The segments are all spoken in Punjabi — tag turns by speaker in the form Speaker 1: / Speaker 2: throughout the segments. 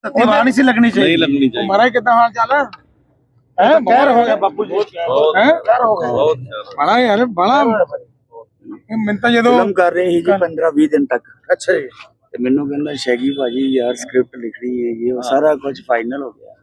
Speaker 1: दीवार नहीं सी लगनी चाहिए,
Speaker 2: नहीं लगनी चाहिए।
Speaker 1: महाराज कितना हाल चाल है? कहर हो गया बापू जी, कहर हो गया
Speaker 2: बहुत
Speaker 1: बड़ा यार बड़ा मिलता जो
Speaker 3: ਫਿਲਮ ਕਰ ਰਹੇ ਸੀ ਜੀ 15-20 ਦਿਨ ਤੱਕ
Speaker 1: अच्छा जी
Speaker 3: ਤੇ ਮੈਨੂੰ ਕਹਿੰਦਾ ਸ਼ੈਗੀ ਭਾਜੀ ਯਾਰ ਸਕ੍ਰਿਪਟ ਲਿਖਣੀ ਹੈ ਇਹ ਉਹ ਸਾਰਾ ਕੁਝ ਫਾਈਨਲ ਹੋ ਗਿਆ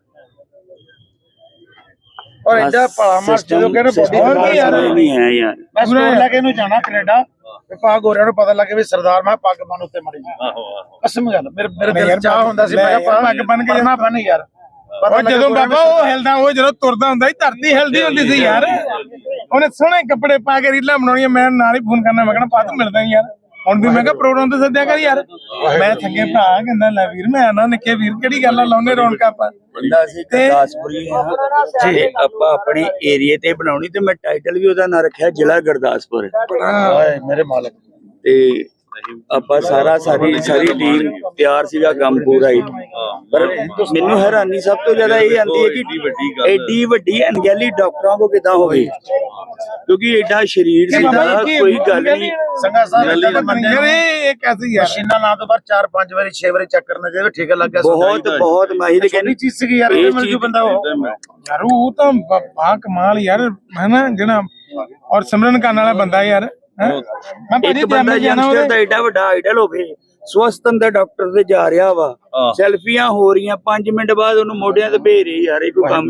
Speaker 1: और इधर पड़ा मार जो कहने बॉडी और भी यार
Speaker 3: नहीं है यार
Speaker 1: मैं स्टोर लेके नु जाना कनाडा ते पा गोरियां नु पता लगे भी सरदार मैं पग बन उत्ते मड़ी कसम गल मेरे दिल चाह ਹੁੰਦਾ ਸੀ मैं पग बन के जाना बन यार
Speaker 4: ਉਹ ਜਦੋਂ ਬਾਬਾ ਉਹ ਹਿਲਦਾ ਉਹ ਜਦੋਂ ਤੁਰਦਾ ਹੁੰਦਾ ਸੀ ਧਰਤੀ ਹਿਲਦੀ ਹੁੰਦੀ ਸੀ ਯਾਰ ਉਹਨੇ ਸੋਹਣੇ ਕੱਪੜੇ ਪਾ ਕੇ ਰੀਲਾਂ ਬਣਾਉਣੀਆਂ ਮੈਂ ਨਾਲ ਹੀ ਫੋਨ ਕਰਨਾ ਮੈਂ ਕਹਿਣਾ ਪਾ ਤੂੰ ਮਿਲਦਾ ਯਾਰ ਹੁਣ ਵੀ ਮੈਂ ਕਿਹਾ ਪ੍ਰੋਗਰਾਮ ਤੇ ਸੱਦਿਆ ਕਰ ਯਾਰ ਮੈਂ ਥੱਕੇ ਭਰਾ ਕਹਿੰਦਾ ਲੈ ਵੀਰ ਮੈਂ ਆਣਾ ਨਿੱਕੇ ਵੀਰ ਕਿਹੜੀ ਗੱਲ ਆ ਲਾਉਨੇ ਰੌਣਕਾਂ ਆਪਾਂ
Speaker 3: ਬੰਦਾ ਸੀ ਗੁਰਦਾਸਪੁਰੀ ਹਾਂ ਜੀ ਆਪਾਂ ਆਪਣੇ ਏਰੀਏ ਤੇ ਬਣਾਉਣੀ ਤੇ ਮੈਂ ਟਾਈਟਲ ਵੀ ਉਹਦਾ ਨਾਂ ਰੱਖਿਆ ਜ਼ਿਲ੍ਹਾ ਗੁਰਦਾਸਪੁਰ
Speaker 1: हाय मेरे मालिक
Speaker 3: ਤੇ ਆਪਾਂ ਸਾਰੀ ਟੀਮ ਤਿਆਰ ਸੀਗਾ ਕੰਮ ਪੂਰਾ ਹੀ ਪਰ ਮੈਨੂੰ ਹੈਰਾਨੀ ਸਭ ਤੋਂ ਜ਼ਿਆਦਾ ਇਹ ਆਂਦੀ ਹੈ ਕਿ ਐਡੀ ਵੱਡੀ ਅਣਗਹਿਲੀ ਡਾਕਟਰਾਂ ਕੋ ਕਿਦਾਂ ਹੋ ਗਈ ਕਿਉਂਕਿ ਐਡਾ ਸਰੀਰ ਸੀਗਾ ਕੋਈ ਗੱਲ ਨਹੀਂ
Speaker 1: संगा साहब
Speaker 4: ਯਾਰ ਇਹ ਕੈਸੀ ਯਾਰ
Speaker 1: मशीना ना तो बार 4-5 बारी 6 बारी चेक करना चाहिए ठीक है लग गया
Speaker 3: ਬਹੁਤ ਮਾਹਿਰ ਕਹਿੰਦੀ
Speaker 1: चीज सी यार
Speaker 3: ਇਹ
Speaker 1: मिल
Speaker 3: ਚੀਜ਼
Speaker 1: जो बंदा हो
Speaker 4: ਯਾਰ ਉਹ ਤਾਂ ਬਾ ਕਮਾਲ ਯਾਰ ਹੈ ਨਾ ਜਿਹੜਾ ਔਰ ਸਿਮਰਨ ਕਰਨ ਵਾਲਾ ਬੰਦਾ ਯਾਰ ਮੈਂ ਭਾਜੀ
Speaker 3: ਇੱਕ ਬੰਦਾ ਯੰਗਸਟਰ ਦਾ ਐਡਾ ਵੱਡਾ ਆਈਡਲ ਹੋਵੇ ਸਵਸਥ ਅੰਦਰ ਡਾਕਟਰ ਤੇ ਜਾ ਰਿਹਾ ਵਾ ਸੈਲਫੀਆਂ ਹੋ ਰਹੀਆਂ 5 ਮਿੰਟ ਬਾਅਦ ਉਹਨੂੰ ਮੋਢਿਆਂ ਤੇ ਭੇਜ ਰਹੀ ਯਾਰ ਇਹ ਕੋਈ ਕੰਮ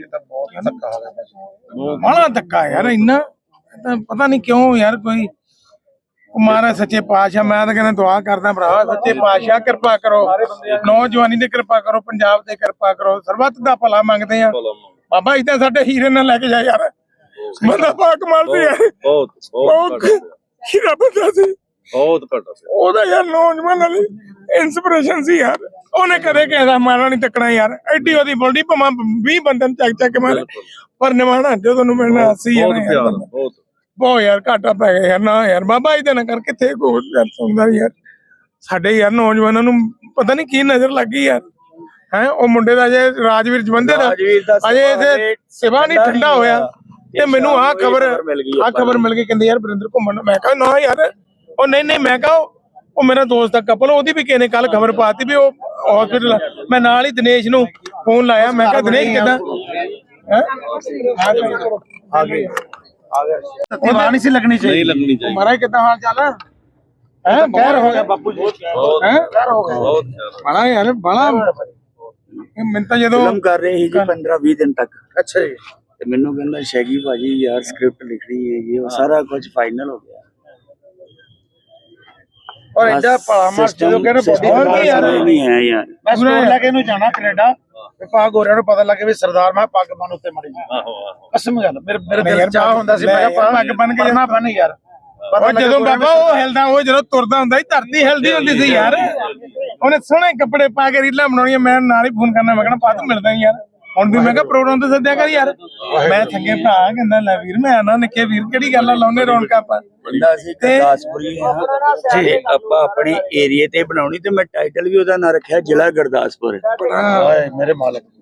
Speaker 3: ਆ
Speaker 4: ਬੜਾ ਧੱਕਾ ਯਾਰ ਇੰਨਾ ਤਾਂ ਪਤਾ ਨਹੀਂ ਕਿਉਂ ਯਾਰ ਕੋਈ ਮਹਾਰਾਜ ਸੱਚੇ ਪਾਤਸ਼ਾਹ ਮੈਂ ਤਾਂ ਕਹਿੰਦਾ ਦੁਆ ਕਰਦਾ ਭਰਾ ਸੱਚੇ ਪਾਤਸ਼ਾਹ ਕਿਰਪਾ ਕਰੋ ਨੌਜਵਾਨੀ ਦੀ ਕਿਰਪਾ ਕਰੋ ਪੰਜਾਬ ਤੇ ਕਿਰਪਾ ਕਰੋ ਸਰਬੱਤ ਦਾ ਭਲਾ ਮੰਗਦੇ ਆ ਬਾਬਾ ਇਦਾਂ ਸਾਡੇ ਹੀਰੇ ਨਾਲ ਲੈ ਕੇ ਜਾ ਯਾਰ ਬੰਦਾ ਪਾਕ ਮਾਰਦੇ ਯਾਰ ਬਹੁਤ ਹੀਰਾ ਬੰਦਾ ਸੀ
Speaker 2: ਬਹੁਤ ਘੱਟ ਸੀ
Speaker 4: ਉਹਦਾ ਯਾਰ ਨੌਜਵਾਨਾਂ ਲਈ ਇਨਸਪੀਰੇਸ਼ਨ ਸੀ ਯਾਰ ਉਹਨੇ ਕਦੇ ਕਿਸੇ ਦਾ ਮਾਰਾ ਨਹੀਂ ਤੱਕਣਾ ਯਾਰ ਐਡੀ ਉਹਦੀ ਬੋਲਦੀ ਭਾਵੇਂ 20 ਬੰਦਨ ਚੱਕ ਚੱਕ ਮਾਰ ਪਰ ਨਿਮਾਣਾ ਜੋ ਤੁਹਾਨੂੰ ਮਿਲਣਾ ਸੀ
Speaker 2: ਬਹੁਤ
Speaker 4: ਯਾਰ
Speaker 2: ਪਿਆਰ ਬਹੁਤ
Speaker 4: ਬਹੁਤ ਯਾਰ ਘਾਟਾ ਪੈ ਗਿਆ ਯਾਰ ਨਾ ਯਾਰ ਬਾਬਾ ਇਹਦੇ ਨਾ ਕਰ ਕਿੱਥੇ ਕੋਈ ਯਾਰ ਸੁਣਦਾ ਯਾਰ ਸਾਡੇ ਯਾਰ ਨੌਜਵਾਨਾਂ ਨੂੰ ਪਤਾ ਨਹੀਂ ਕੀ ਨਜ਼ਰ ਲੱਗੀ ਯਾਰ ਹੈ ਉਹ ਮੁੰਡੇ ਦਾ ਜੇ ਰਾਜਵੀਰ ਜਵੰਦੇ ਦਾ ਅਜੇ ਇਹਦੇ ਸਿਵਾ ਨਹੀਂ ਠੰਡਾ ਹੋਇਆ ਤੇ ਮੈਨੂੰ ਆਹ ਖਬਰ ਮਿਲ ਗਈ ਕਹਿੰਦੇ ਯਾਰ ਵਰਿੰਦਰ ਘੁੰਮਣ ਮੈਂ ਕਿਹਾ ਨਾ ਯਾਰ ਉਹ ਨਹੀਂ ਮੈਂ ਕਿਹਾ ਉਹ ਮੇਰਾ ਦੋਸਤ ਦਾ ਕਪਲ ਉਹਦੀ ਵੀ ਕਿਸੇ ਨੇ ਕੱਲ ਖਬਰ ਪਾਤੀ ਵੀ ਉਹ ਹਸਪੀਟਲ ਮੈਂ ਨਾਲ ਹੀ ਦਿਨੇਸ਼ ਨੂੰ ਫੋਨ ਲਾਇਆ ਮੈਂ ਕਿਹਾ ਦਿਨੇਸ਼ ਕਿੱਦਾਂ
Speaker 1: दीवार नहीं सी लगनी चाहिए,
Speaker 2: नहीं लगनी चाहिए।
Speaker 4: महाराज कितना हाल चाल है?
Speaker 1: कहर हो गया बापू जी, कहर हो गया
Speaker 2: बहुत
Speaker 4: बड़ा यार बड़ा ਮਿੰਤਾ ਜਦੋਂ
Speaker 3: ਫਿਲਮ ਕਰ ਰਹੇ ਸੀ ਜੀ 15-20 ਦਿਨ ਤੱਕ
Speaker 1: अच्छा जी
Speaker 3: ਤੇ ਮੈਨੂੰ ਕਹਿੰਦਾ ਸ਼ੈਗੀ ਭਾਜੀ ਯਾਰ ਸਕ੍ਰਿਪਟ ਲਿਖਣੀ ਹੈ ਇਹ ਉਹ ਸਾਰਾ ਕੁਝ ਫਾਈਨਲ ਹੋ ਗਿਆ
Speaker 1: और इधर पड़ा मार जो कहने बॉडी और भी यार
Speaker 3: नहीं है यार
Speaker 1: मैं स्टोर लेके नु जाना कनाडा ते पा गोरियां नु पता लगे भी सरदार मैं पग बन उत्ते मड़ी कसम गल मेरे दिल चाह ਹੁੰਦਾ ਸੀ मैं पग बन के जाना बन यार
Speaker 4: ਉਹ ਜਦੋਂ ਬਾਬਾ ਉਹ ਹਿਲਦਾ ਉਹ ਜਦੋਂ ਤੁਰਦਾ ਹੁੰਦਾ ਸੀ ਧਰਤੀ ਹਿਲਦੀ ਹੁੰਦੀ ਸੀ ਯਾਰ ਉਹਨੇ ਸੋਹਣੇ ਕੱਪੜੇ ਪਾ ਕੇ ਰੀਲਾਂ ਬਣਾਉਣੀਆਂ ਮੈਂ ਨਾਲ ਹੀ ਫੋਨ ਕਰਨਾ ਮੈਂ ਕਹਿਣਾ ਪਾ ਤੂੰ ਮਿਲਦਾ ਯਾਰ ਹੁਣ ਵੀ ਮੈਂ ਕਿਹਾ ਪ੍ਰੋਗਰਾਮ ਤੇ ਸੱਦਿਆ ਕਰ ਯਾਰ ਮੈਂ ਥੱਕੇ ਭਰਾ ਕਹਿੰਦਾ ਲੈ ਵੀਰ ਮੈਂ ਆਣਾ ਨਿੱਕੇ ਵੀਰ ਕਿਹੜੀ ਗੱਲ ਆ ਲਾਉਨੇ ਰੌਣਕਾਂ ਆਪਾਂ
Speaker 3: ਬੰਦਾ ਸੀ ਗੁਰਦਾਸਪੁਰੀ ਹਾਂ ਜੀ ਆਪਾਂ ਆਪਣੇ ਏਰੀਏ ਤੇ ਬਣਾਉਣੀ ਤੇ ਮੈਂ ਟਾਈਟਲ ਵੀ ਉਹਦਾ ਨਾਂ ਰੱਖਿਆ ਜ਼ਿਲ੍ਹਾ ਗੁਰਦਾਸਪੁਰ
Speaker 1: हाय मेरे मालिक